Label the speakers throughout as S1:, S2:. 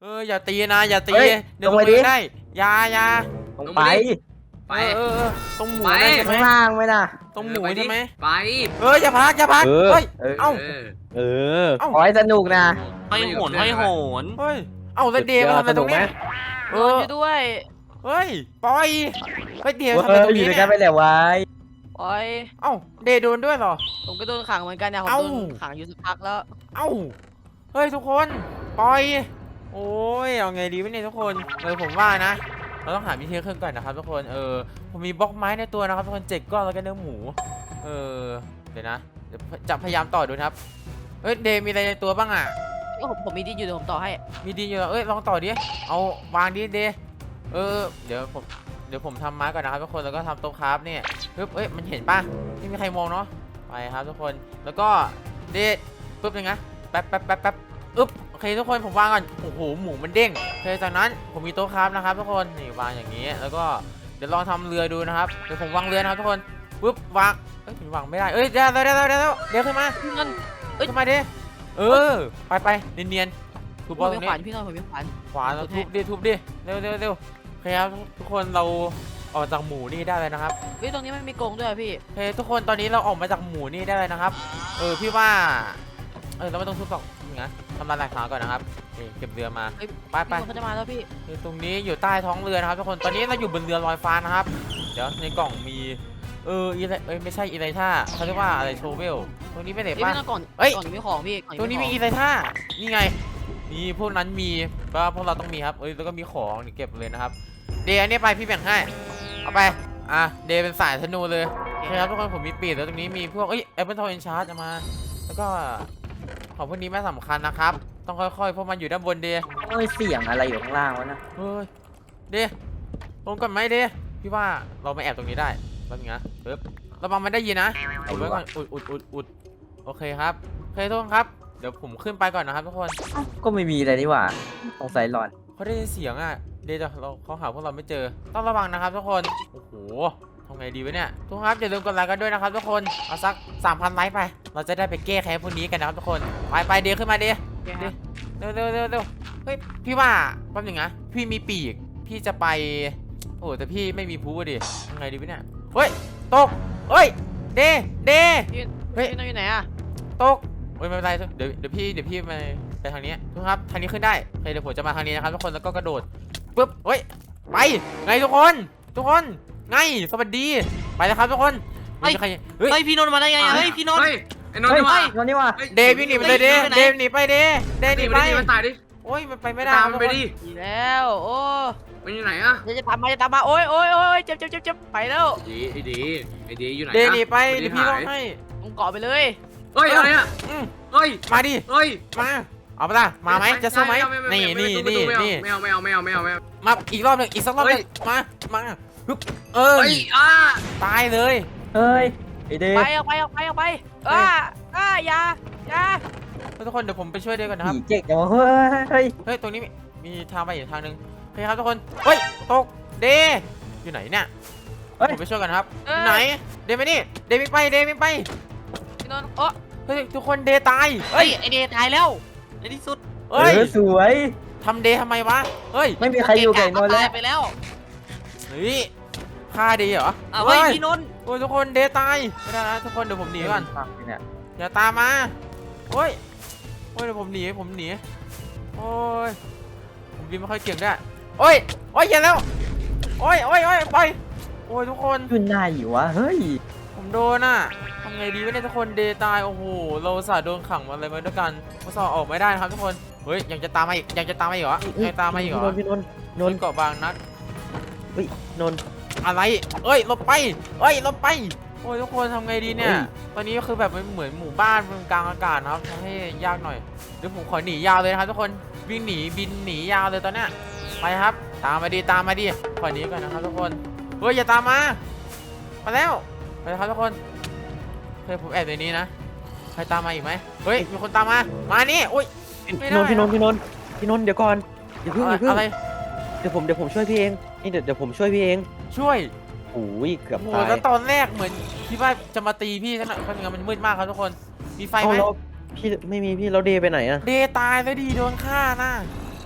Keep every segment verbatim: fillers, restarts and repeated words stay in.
S1: เอออย่าตีนะอย่าตี
S2: เฮ้ย
S1: เดี๋ยว
S2: ล
S1: ล
S2: ง
S1: ง
S2: ไป
S1: ไป
S2: ดิ
S1: ได้อยาอยา
S2: ลงไป
S3: ไป
S1: เออเออเออตรงหมู
S3: ไป
S1: ได้ใช่ไหม
S2: ข้างล่างไหมนะ
S1: ตรงหมู
S3: ไปดิ
S1: ใช่ไหม
S3: ไป
S1: เอออย่าพักอย่าพัก
S2: เออ
S1: เฮ้ย
S2: เออ
S1: เอ้า
S3: เออ
S2: เออ
S1: เอ้า
S2: ขอให้สนุกนะ
S4: ห้อยโหนห้อยโหน
S1: เฮ้ยเอ้าแล้วเดย์มาทำอะไรตรงเนี้ยเอ
S5: โดน
S1: อ
S5: อยู่ด้วย
S1: เฮ้ยปล่อยเฮ้ยเดย์
S2: เอ
S1: ทำอะไร
S2: อ
S1: ตรง
S2: อยู่
S1: นี้
S2: ด้วย
S1: เนี่
S2: กัน
S1: ย
S2: ไปแล้วไว้
S5: โอ้ย
S1: เอ้าเดย์โดนด้วยเหรอ
S5: ผมก็โดนขังเหมือนกันเนี่ยผม
S1: เอ้า
S5: โดนขังอยู่สักพักแล้ว
S1: เอ้าเฮ้ยทุกคนปล่อยโอ้ยเอาไงดีวะเนี่ยทุกคนเออผมว่านะ เราต้องหาวิธีเครื่องก่อนนะครับทุกคนเออผมมีบล็อกไม้ในตัวนะครับทุกคนเจ็ดก้อนแล้วก็เนื้อหมูเออเดี๋ยวนะเดี๋ยวจะพยายามต่อดูนะครับเอ้ยเดย์มีอะไรในตัวบ้างอ่ะ
S5: เอ้ยผมผมมีดินอยู่เดี๋ยวผมต่อให้
S1: มีดีอยู่เหรอเอ้ยลองต่อดิเอาวางดิเดย์เออเดี๋ยวผมเดี๋ยวผมทำไม้ก่อนนะครับทุกคนแล้วก็ทำโต๊ะคราฟเนี่ยปึ๊บเอ้ยมันเห็นป่ะไม่มีใครมองเนาะไปครับทุกคนแล้วก็เดย์ปึ๊บยังไงแป๊บแป๊บแป๊บแป๊บอึ๊บโอเคทุกคนผมวางก่อนโอ้โหหมูมันเด้งโอเคจากนั้นผมมีโต๊ะคราฟนะครับทุกคนนี่วางอย่างนี้แล้วก็เดี๋ยวลองทำเรือดูนะครับเดี๋ยวผมวางเรือนะครับทุกคนปึ๊บวางเอ้ยผมวางไม่ได้เอ้ยเดี๋ยวเดี๋ยวเดี๋ยวเดี๋ยวเดี๋ยวขึ้นมา
S5: พี่นนท์เอ้ย
S1: ขึ้นมาดิเออไปไปเนียนๆถูก
S5: ผ
S1: บอล
S5: ม
S1: ตร
S5: มี
S1: ง
S5: ข
S1: นี้
S5: วานพี่นนท์ผมมีขวาน
S1: ขวาเรา
S5: ทุ
S1: ทุ
S5: บบ ให้
S1: ดิทุบดิเร็วเร็วเร็วโอเคครับทุกคนเราออกจากหมูนี่ได้เลยนะครับ
S5: เฮ้ยตรงนี้ไม่มีกรงด้วยอะพี่
S1: โอเคทุกคนตอนนี้เราออกมาจากหมูนี่ได้เลยนะครับเออพี่ว่าเออเราไม่ต้องทุบหรอกนะทำลายหลักฐานก่อนนะครับนี่เก็บเรือมา
S5: เฮ้ย
S1: ไปไป
S5: พี่นนท์เขาจะมาแล้วพี่
S1: นี่ตรงนี้อยู่ใต้ท้องเรือนะครับทุกคนตอนนี้เราอยู่บนเรือลอยฟ้านะครับเดี๋ยวในกล่องมีเอออีไรเอ้ยไม่ใช่อีไรท่าเขาเรียกว่าอะไรโชเวลตรงนี้ไม่เด็
S5: เฮ้ย
S1: ป่ะ
S5: พี่นนท์ก่อน
S1: เอ้ย
S5: ก่อนนี้มีของพี่ก่อน
S1: ตรงนี้มีอีไรท่านี่ไงนี่พวกนั้นมีก็พวกเราต้องมีครับเอ้ยแล้วก็มีของนี่เก็บเลยนะครับเดย์อันนี้ไปพี่แบ่งให้เอาไปอ่ะเดย์เป็นสายธนูเลยโอเคครับทุกคนผมมีปีดแล้วตรงนี้มีพวกเอ้ยแอปเปิลทอยเอนชาร์จมาแล้วก็ของพวกนี้ไม่สำคัญนะครับต้องค่อยๆเพราะมันอยู่ด้านบนเดย์
S2: โอ้ยเสียงอะไรอยู่ข้างล่างวะนะ
S1: เฮ้ยเดย์ลงก่อนไหมเดย์พี่ว่าเรามาแอบตรงนี้ได้แป๊บนึงนะปึ๊บระวังมันได้ยินนะอุดไว้ก่อนอุดอุดอุดอุดโอเคครับโอเคทุกคนครับเดี๋ยวผมขึ้นไปก่อนนะครับทุกคน
S2: เอ้าก็ไม่มีอะไรนี่หว่าสงสัยหลอน
S1: เขาได้ยินเสียงอ่ะเดย์จะเราเขาหาพวกเราไม่เจอต้องระวังนะครับทุกคนโอ้โหทำไงดีวะเนี่ยทุกคนครับอย่าลืมกดไลค์กันด้วยนะครับทุกคนเอาสัก สามพัน ไลค์ไปเราจะได้ไปแก้แค้นพวกนี้กันนะครับทุกคนไปไปเดย์ขึ้นมาเดย์
S5: โอเคครับ
S1: เร็วเร็วเร็วเร็วเฮ้ยพี่ว่าแป๊บหนึงนะพี่มีปีกพี่จะไปโอ้แต่พี่ไม่มีพูดิยังไงดีวะเนี่ยเฮ้ยตกเฮ้ยเดเด
S5: พี่
S1: เฮ้ย
S5: พี่นนท์อยู่ไหนอะ
S1: ตกเฮ้ยไม่เป็นไรเดี๋ยวเดี๋ยวพี่เดี๋ยวพี่ไปไปทางนี้ทุกคนครับทางนี้ขึ้นได้โอเคเดี๋ยวผมจะมาทางนี้นะครับทุกคนแล้วก็กระโดดปึ๊บเฮ้ยไปไงทุกคนทุกคนไงสวัสดีไปแล้วครับทุกคนไม่มีใครเฮ้ย
S4: เฮ้ยพี่นนท์มาได้ไงอะเฮ้ยพี่นนท์
S3: เฮ้ยไอ้นนท์
S2: เฮ้ย
S3: นี่หว่า
S2: นอนนี่ว่ะ
S1: เดย์วิ่งหนีไปเลยเดย์เดย์หนีไปเดย์เดย์หนี
S3: นี่
S1: ไป
S3: ไปดิมันตายดิ
S1: โอ้ยมันไปไม่ได้
S3: ตาม
S1: ค
S3: มั
S1: รับ
S3: นไป
S1: ทุกคน
S3: ดิ
S5: ดีแล้วโอ้
S3: มันอยู่ไหนอะ
S5: เดี๋ยวจะตามมาจะตามมาโอ้ยโอ้ยโอ้ยเจ็บเจ็บเจ็บเจ็บไปแล้ว
S3: ดีไอ้ดีไอ้ดีอยู่ไหน
S1: เดย์หนี
S3: อะ
S1: ไปเดี๋ยวพี่ร้องให้
S5: ผมเกาะไปเลย
S3: เฮ้ยอะไรอะ
S1: อืม
S3: เฮ้ย
S1: มาดิ
S3: เฮ้ย
S1: มาเอาไปละมาไหมจะสู้ไหมนี่นี่นี่นี่
S3: ไม่เอาไม่เอาไม่เอาไม่เอาไม่เอา
S1: มาอีกรอบหนึ่งอีกสักรอบห
S3: เฮ้
S1: นึ่
S3: ย
S1: งมามาฮึบเออ
S3: เฮ้ยอ่า
S1: ตายเลย
S2: เฮ้ยไอเดย์
S5: ไปออกไปออกไปออกไปอ้าอ้าอย่าอย่า
S1: ทุกคนเดี๋ยวผมไปช่วยเดย์ก่อนนะครับ
S2: ผีเจ๊กจังวะเฮ้ยเฮ้ย
S1: เฮ้ยตรงนี้มีมีทางไปอีกทางหนึ่งโอเคครับทุกคนเฮ้ยตกเดย์อยู่ไหนเนี่ย
S2: เฮ้ย
S1: ผมไปช่วยกันครับ
S5: เอ้
S1: อย ยู่ไหนเดย์ไปนี่เดย์วิ่งไปเดย์วิ่งไป
S5: พี่นนท์โอ้
S1: เฮ้ยทุกคนเดย์ตาย
S5: เฮ้ยไอเดย์ตายแล้ว
S4: ในที่สุด
S2: เอ
S1: เฮ้ย
S2: อสวย
S1: ทำเดย์ทำไมวะเฮ้ย
S2: ไม่มีใครอยู่กับไอ้นนท์
S5: ตา
S2: แล้
S5: ยว ไปแล้ว
S1: เฮ้ยฆ่าเดย์เหรอ
S4: อ้าวเฮ้ยพี่นนท์
S1: โอ้ยทุกคนเดย์ตายไม่ได้นะทุกคนเดี๋ยวผมหนีก่อน
S2: เนี่ย
S1: อย่าตามมาโอ้ยโอ้ยเดี๋ยวผมหนีผมหนีโอ้ยผมบินไม่ค่อยเก่งด้วยโอ้ยโอ้ยอย่าแล้วโอ้ยโอ้ยโอ้ยไปโอ้ยทุกคน
S2: อยู่ไหนวะเฮ้ย
S1: ผมโดนอ่ะทำไงดีวะเนี่ยทุกคนเดย์ตายโอ้โหเราอุตสาห์โดนขังมาอะไรมาด้วยกันอุตส่าห์ออกไม่ได้นะครับทุกคนเฮ้ยยังจะตามมาอีกยังจะตามมาอีกเหรอยังตามมาอีกเหรอ
S2: พี่นนท์พี่นนท์นนท์
S1: เกาะบางนัด
S2: เฮ้ยนนท์
S1: อะไรเอ้ยหลบไปเอ้ยหลบไปโอ้ยทุกคนทำไงดีเนี่ย
S2: เฮ้ย
S1: ตอนนี้ก็คือแบบมันเหมือนหมู่บ้านบนกลางอากาศนะครับทำให้ยากหน่อยเดี๋ยวผมขอหนียาวเลยนะครับทุกคนวิ่งหนีบินหนียาวเลยตอนเนี้ยไปครับตามมาดีตามมาดีขอหนีก่อนนะครับทุกคนเฮ้ยอย่าตามมามาแล้วไปครับทุกคนเฮ้ยผมแอบในนี้นะใครตามมาอีกไหมเฮ้ยมีคนตามมามานี่อุ้ย ไม่ได้
S2: พี่นนท์พี่นนท์พี่นนท์พี่นนท์เดี๋ยวก่อนอย่าเพิ่งอย่าเพิ่ง
S1: อะไร
S2: เดี๋ยวผมเดี๋ยวผมช่วยพี่เองนี่เดี๋ยวเดี๋ยวผมช่วยพี่เอง
S1: ช่วย
S2: โอ้ยเกือบ
S1: โอ้โห
S2: ตาย
S1: แล้วตอนแรกเหมือนคิดว่าจะมาตีพี่ซะหน่อยเพราะงั้นมันมืดมากครับทุกคนมีไฟ
S2: เอา
S1: ไหม
S2: เราพี่ไม่มีพี่เราเดย์ไปไหนอะ
S1: เดย์ตายแล้วดีโดนฆ่าน่ะ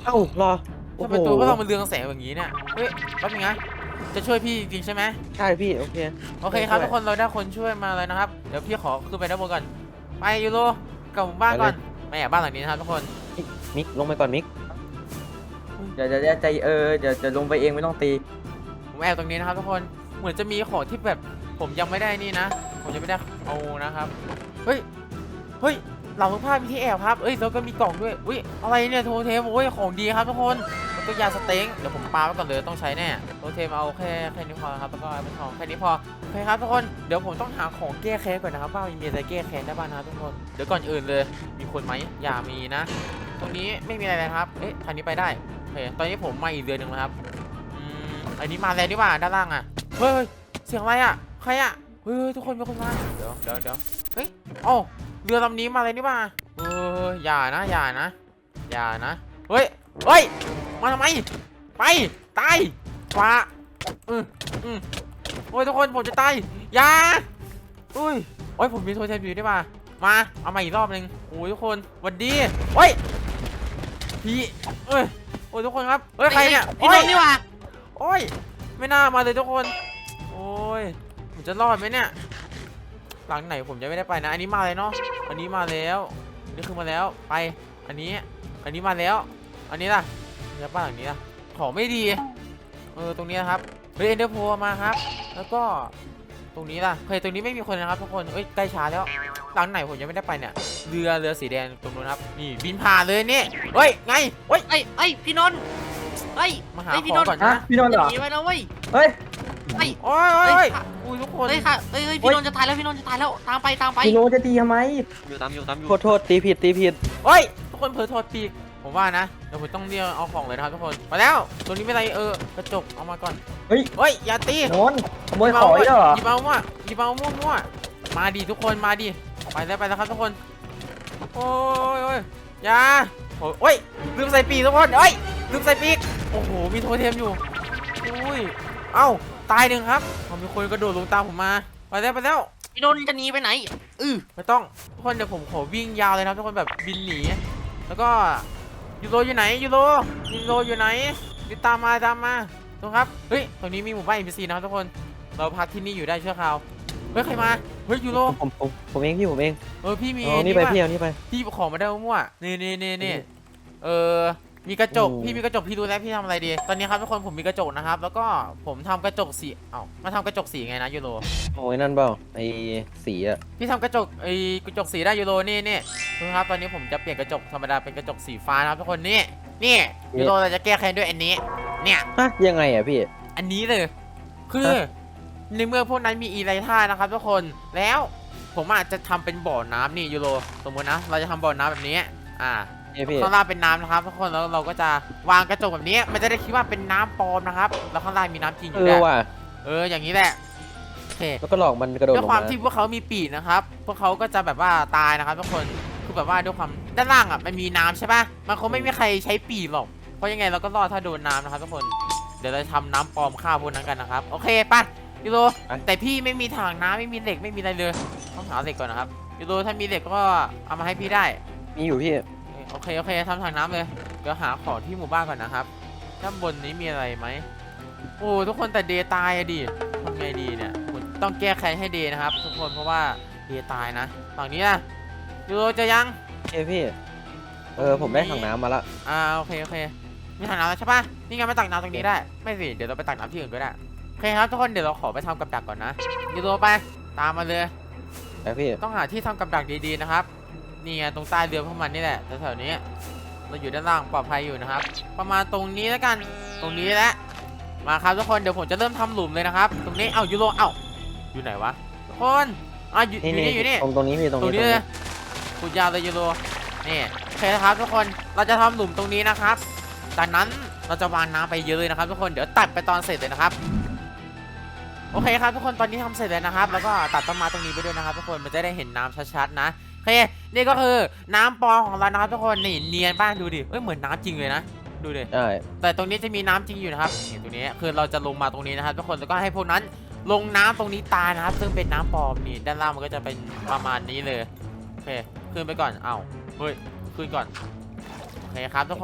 S2: เอ้ารอโอ้
S1: ทำ
S2: โห
S1: ไมตัวก็ต้องมาเรืองแสงอย่างนี้เนี่ยเฮ้ยแป๊บนึงนะจะช่วยพี่จริงๆใช่ไหม
S2: ใช่พี่โอเค
S1: โอเคครับ
S2: ช่วย
S1: ทุกคนเราได้คนช่วยมาเลยนะครับเดี๋ยวพี่ขอขึ้นไปด้านบนก่อนไปยูโรกลับหมู่บ้านก่อนไม่แอบบ้านหลังนี้นะครับทุกคน
S2: มิกลงไปก่อนมิก
S6: เดี๋ยวเดี๋ยวเดี๋ยวใจเออเดี๋ยวจะลงไปเองไม่ต้องตี
S1: ผมแอบตรงนี้นะครับทุกคนเหมือนจะมีของที่แบบผมยังไม่ได้นี่นะ ผมยังไม่ได้เอานะครับเฮ้ยเฮ้ยหลังผ้ามีที่แอบครับเอ้ยแล้วก็มีกล่องด้วยอุ้ยอะไรเนี่ยโทเทมโอ้ยของดีครับทุกคนแล้วก็ยาสเต็งเดี๋ยวผมปาไว้ก่อนเลยต้องใช้แน่โทเทมเอาแค่แค่นี้พอครับแล้วก็เป็นทองแค่นี้พอโอเคครับทุกคนเดี๋ยวผมต้องหาของแก้แค้นก่อนนะครับว่ามีอะไรแก้แค้นได้บ้างนะครับทุกคนเดี๋ยวก่อนอื่นเลยมีคนไหมอย่ามีนะ ตรงนี้ไม่มีอะไรเลยครับเอ๊ะทางนี้ไปได้โอเคตอนนี้ผมมาอีกเดือนหนึ่งแล้วครับอืมอันนี้มาแล้วดีกว่าด้านล่างอ่ะเฮ้ยเสียงอะไรอ่ะใครอ่ะเฮ้ยทุกคนมีคนมาเดี๋ยวเดี๋ยวเดี๋ยวเฮ้ยเอ้าเรือลำนี้มาเลยนี่ป่ะเอออย่านะอย่านะอย่านะเฮ้ยเฮ้ยมาทำไมไปตายฟ้าอืมอืมโอ้ยทุกคนผมจะตายอย่าอุ้ยโอ้ยผมมีโทรศัพท์อยู่ได้ป่ะมาเอามาอีกรอบนึงโอ้ยทุกคนหวัดดีโอ้ยพี่เอ้ยโอ้ยทุกคนครับเฮ้ยใครเนี่ย
S4: พี่นนท์นี่หว่า
S1: โอ้ยไม่น่ามาเลยทุกคนโอ้ยผมจะรอดไหมเนี่ยหลังไหนผมจะไม่ได้ไปนะอันนี้มาเลยเนาะอันนี้มาแล้วนี่คือมาแล้วไปอันนี้อันนี้มาแล้ว อันนี้ล่ะแล้วบ้านหลังนี้ล่ะของไม่ดีเออตรงนี้นะครับเฮ้ยเอ็นเดอร์โพมาครับแล้วก็ตรงนี้ล่ะเคยตรงนี้ไม่มีคนนะครับทุกคนเอ้ยใกล้ช้าแล้วหลังไหนผมยังไม่ได้ไปเนี่ยเรือเรือสีแดงตรงนู้นครับนี่บินผ่านเลยนี่เฮ้ยไงเฮ้ย
S4: เอ้ยเอ้ยพี่นนท์เฮ้ย
S1: มาหา
S4: เฮ้ย
S1: ข
S4: พี่
S1: อน ง
S4: นท์
S1: ก่อน
S6: ฮะ
S1: นะ
S6: พี่นนท์เหรอ
S4: หนีไปแล้วเว้ย
S6: เฮ้ย
S4: เฮ้ย
S1: โอ้ยโอ้ยโอ้ยอุ้ยทุกคน
S4: เฮ้ยค่ะเฮ้ยเฮ้ยพี่นนท์จะตายแล้วพี่นนท์จะตายแล้วตามไปตามไป
S6: พี่โนจะตีทำไม
S4: อยู่ตามอยู่ตามอยู่
S2: โทษโทษตีผิดตีผิด
S1: เฮ้ยทุกคนเผลอโทษปีกผมว่านะเดี๋ยวผมต้องเรียกเอาของเลยนะครับทุกคนมาแล้วตัวนี้ไม่ไรเออกระจกเอามาก่อน
S6: เฮ้ย
S1: เฮ้ยอย่าตี
S6: โนนขโมยของอีกแล้วเหรอ
S1: หยิบเอามั่วหยิบเอามั่วมั่วมาดิทุกคนมาดิไปแล้วไปแล้วครับทุกคนโอ้ยโอ้ยอย่าโอ้ยโอ้ยลืมใส่ปีกทุกคนเอ้ยลืมใส่ปีกโอ้โหมีโทเทมอยู่อุ้ยเอ้าตายหนึ่งครับเอามีคนกระโดดลงตามผมมาไปแล้วไปแล้ว
S4: พี่นนท์จะหนีไปไหนอือ
S1: ไม่ต้องทุกคนเดี๋ยวผมขอวิ่งยาวเลยนะครับทุกคนแบบบินหนีแล้วก็ยูโรอยู่ไหนยูโรยูโรอยู่ไหนติดตามมาตามมาตรงครับเฮ้ยตรงนี้มีหมู่บ้าน เอ็น พี ซี นะครับทุกคนเราพักที่นี่อยู่ได้ชั่วคราวเฮ้ยใครมาเฮ้ยยูโร
S2: ผมผมผมเองพี่ผมเอง
S1: เออพี่มี
S2: เอานี่ไป
S1: ว่ะ
S2: พี่เอานี่ไป
S1: พี่ของมาได้มั่วๆนี่นี่นี่นี่เออมีกระจก
S2: โอ้
S1: พี่มีกระจกพี่รู้แล้วพี่ทำอะไรดีตอนนี้ครับทุกคนผมมีกระจกนะครับแล้วก็ผมทำกระจกสีเอ้ามาทำกระจกสีไงนะยูโร
S2: โอ้ยนั่นเปล่าไอ้สีอะ
S1: พี่ทำกระจกไอ้กระจกสีได้ยูโรนี่นี่ดูครับตอนนี้ผมจะเปลี่ยนกระจกธรรมดาเป็นกระจกสีฟ้านะครับทุกคนนี่นี่ยูโรเราจะแก้แค้นด้วยอันนี้เนี่ย
S2: ฮะยังไงอะพี่
S1: อันนี้เลยคือในเมื่อพวกนั้นมีอีไรท่านะครับทุกคนแล้วผมอาจจะทำเป็นบ่อน้ำนี่ยูโรสมมตินะเราจะทำบ่อน้ำแบบนี้อ่า
S2: นี่พี่
S1: ข้างล่างเป็นน้ำนะครับทุกคนแล้วเราก็จะวางกระจกแบบนี้มันจะได้คิดว่าเป็นน้ำปลอมนะครับแล้วข้างล่างมีน้ำจริงอ
S2: เอยู่ อ
S1: ด้วย
S2: ว่ะ
S1: เอออย่างนี้แหละโอเค
S2: แล้วก็หลอกมันกระโดด
S1: ด้
S2: ล
S1: วย
S2: ง
S1: ความ
S2: มา
S1: ที่พวกเขามีปีกนะครับ พวกเขาก็จะแบบว่าตายนะครับทุกคน คือแบบว่าด้วยความด้านล่างอ่ะมันมีน้ำใช่ปะมันคงไม่มีใครใช้ปีกหรอก เพราะยังไงเราก็รอดถ้าโดนน้ำนะครับทุกคน เดี๋ยวเราจะทำน้ำปลอมฆ่าพวกนั้นกันนะครับ โอเคป่ะยูโรแต่พี่ไม่มีถังน้ำไม่มีเหล็กไม่มีอะไรเลย ต้องหาเหล็กก่อนนะครับยูโรถ้ามีเหล็กก็เอามาให้พี่ได้
S2: มีอยู่พี่
S1: โอเคโอเคทำถังน้ำเลย เดี๋ยวหาของที่หมู่บ้านก่อนนะครับด้านบนนี้มีอะไรไหมโอ้ทุกคนแต่เดย์ตายอะดิทำไงดีเนี่ยผมต้องแก้แค้นให้เดย์นะครับ ทุกคนเพราะว่าเดย์ตายนะฝั่งนี้นะยูโรจะยัง
S2: เอ้ยพี่ เออผมได้ถังน้ำมาละ
S1: อ่าโอเคโอเคมีถังน้ำแล้วใช่ปะนี่ไงมาตักน้ำตรงนี้ได้ไม่สิเดี๋ยวเราไปตักน้ำที่อื่นก็ได้โอเคครับทุกคนเดี๋ยวเราขอไปทำกับดักก่อนนะยูโรไปตามมาเลย
S2: แต่พี่
S1: ต้องหาที่ทำกับดักดีๆนะครับนี่ไงตรงใต้เรือพวกมันนี่แหละแถวๆนี้เราอยู่ด้านล่างปลอดภัยอยู่นะครับ ประมาณตรงนี้แล้วกันตรงนี้แหละมาครับทุกคนเดี๋ยวผมจะเริ่มทำหลุมเลยนะครับ ตรงนี้เอ้ายูโรเอ้าอยู่ไหนวะทุกคนอ่ะอยู่อยู่นี่อยู่นี่
S2: ตรงตรงนี้พี่ตรง
S1: ตรง
S2: นี้
S1: นี้เลยขุดยาวเลยยูโรนี่โอเคนะครับทุกคนเราจะทำหลุมตรงนี้นะครับจากนั้นเราจะวางน้ำไปเยอะเลยนะครับทุกคนเดี๋ยวตัดไปตอนเสร็จเลยนะครับโอเคครับทุกคนตอนนี้ทำเสร็จแล้วนะครับแล้วก็ตัดต้นไม้ตรงนี้ไปด้วยนะครับทุกคนมันจะได้เห็นน้ำชัดๆนะโอเคนี่ก็คือน้ำปลอมของเรานะครับทุกคนนี่เนียนบ้างดูดิเอ้ยเหมือนน้ำจริงเลยนะดูดิ
S2: ใช่
S1: แต่ตรงนี้จะมีน้ำจริงอยู่นะครับนี่ตรงนี้คือเราจะลงมาตรงนี้นะครับทุกคนแล้วก็ให้พวกนั้นลงน้ำตรงนี้ตายนะครับซึ่งเป็นน้ำปลอมนี่ด้านล่างมันก็จะเป็นประมาณนี้เลยโอเคขึ้นไปก่อนเอ้าเฮ้ยขึ้นก่อนโอเคครับทุกคน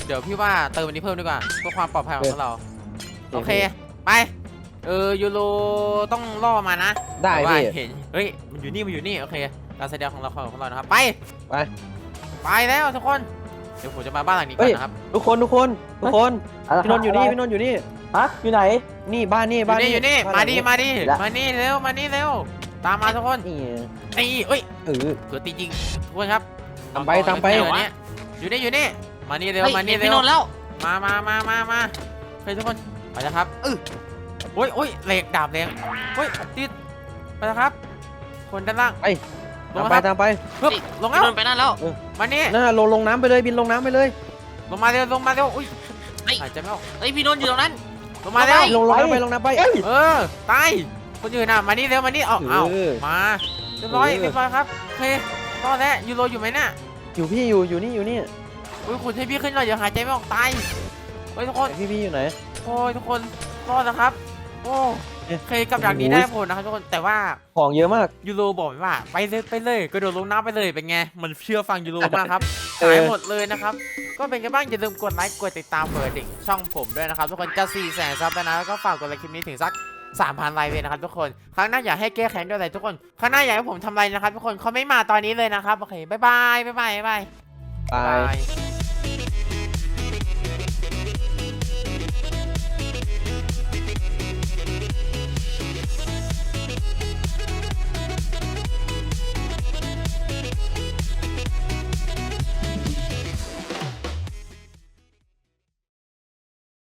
S1: เดี๋ยวพี่ว่าเติมอันนี้เพิ่มดีกว่าเพื่อความปลอดภัยของพวกเราโอเคไปเออยูโรต้องล่อมานะ
S2: ได้
S1: แต่ว่า
S2: พี่
S1: เห็นเฮ้ยมันอยู่นี่มันอยู่นี่โอเคการแสดงของเราของเรานะครับไป
S2: ไป
S1: ไปแล้วทุกคนเดี๋ยวผมจะมาบ้านหลังนี้ก่อนนะครับ
S2: ทุกคนทุกคนทุกคน
S6: อะไร
S2: พี่นนท์อยู่นี่
S6: อะไร
S2: พี่นนท์อยู่นี่
S6: ฮะอยู่ไหน
S2: นี่บ้านนี่
S1: อยู่
S2: บ้าน
S1: นี่อยู่นี่
S2: บ้
S1: มาน ดิ
S2: หลัง
S1: มาดิ
S6: และ
S1: มานี่เร็วมานี่เร็วตามมาทุกคน
S2: นี่
S1: ตีเอ้ย
S2: เออ
S1: เผื่อตีจริงทุกคนครับ
S2: ตามไปตามไป
S1: อยู่นี่อยู่นี่อยู่นี่มานี่เร็ว
S4: เฮ้ย
S1: มานี่
S4: เห็น
S1: เร็
S4: พี่
S1: วน
S4: นท์แล้ว
S1: มามามามามาเฮ้ยทุกคนไปแล้วครับเออโอ้ยโอ้ยเหล็กดาบแรงโอ้ยติดไปแล้วครับ คนด้านล่าง
S2: ไป
S1: ลง
S2: ตาม
S1: แล้ว
S2: ไป
S1: ครับ
S2: ตามไป
S1: ปึ๊บลงแล้
S4: พี่
S1: วน
S4: ท์ไปนั่นแล้ว
S1: มานี่
S2: น่าลงลงน้ำไปเลยบินลงน้ำไปเลย
S1: ลงมาเร็วลงมาเร็วอุ้ย
S4: เฮ้ย
S1: หายใจไม่ออก
S4: เฮ้ยพี่นนท์อยู่ตรงนั้น
S1: ลงมาเร็ว
S2: ลงลงน้ำไปลงน้ำไป
S1: เออตายคนอื่นน่ะมานี่เร็วมานี่เอาเอา
S2: เออ
S1: มาเรียบร้อย
S2: เออ
S1: เรียบร้อยครับโอเครอดแล้วยูโรอยู่ไหมน่ะ
S2: อยู่พี่อยู่อยู่นี่อยู่นี่
S1: อุ้ยคุณให้พี่ขึ้นหน่อยเดี๋ยวหายใจไม่ออกตายเฮ้ยทุกคน
S2: ไหนพี่พี่อยู่ไหน
S1: โอ้ยทุกคนรอดแล้วครับ โอ้
S2: เอ๊ะ
S1: เคยกับดักนี้
S2: โอ้โห
S1: ได้ผลนะครับทุกคนแต่ว่า
S2: ของเยอะมาก
S1: ยูโรบอกว่าไปเลยไปเลยกระโดดลงน้ำไปเลยเป็นไงมันเชื่อฟังยูโรมากครับ
S2: เออ
S1: หายหมดเลยนะครับก็เป็นไงบ้างอย่าลืมกดไลค์กดติดตามเปิดดิ่งช่องผมด้วยนะครับทุกคนจะสี่แสนซับแล้วนะแล้วก็ฝากกดไลค์คลิปนี้ถึงสักสามพันไลค์เลยนะครับทุกคนครั้งหน้าอยากให้แก้แค้นด้วยอะไรทุกคนครั้งหน้าอยากให้ผมทำอะไรนะครับทุกคนเขาไม่มาตอนนี้เลยนะครับโอเคบ๊ายบายบ๊ายบายบ๊ายบาย
S2: ตาย
S1: บาย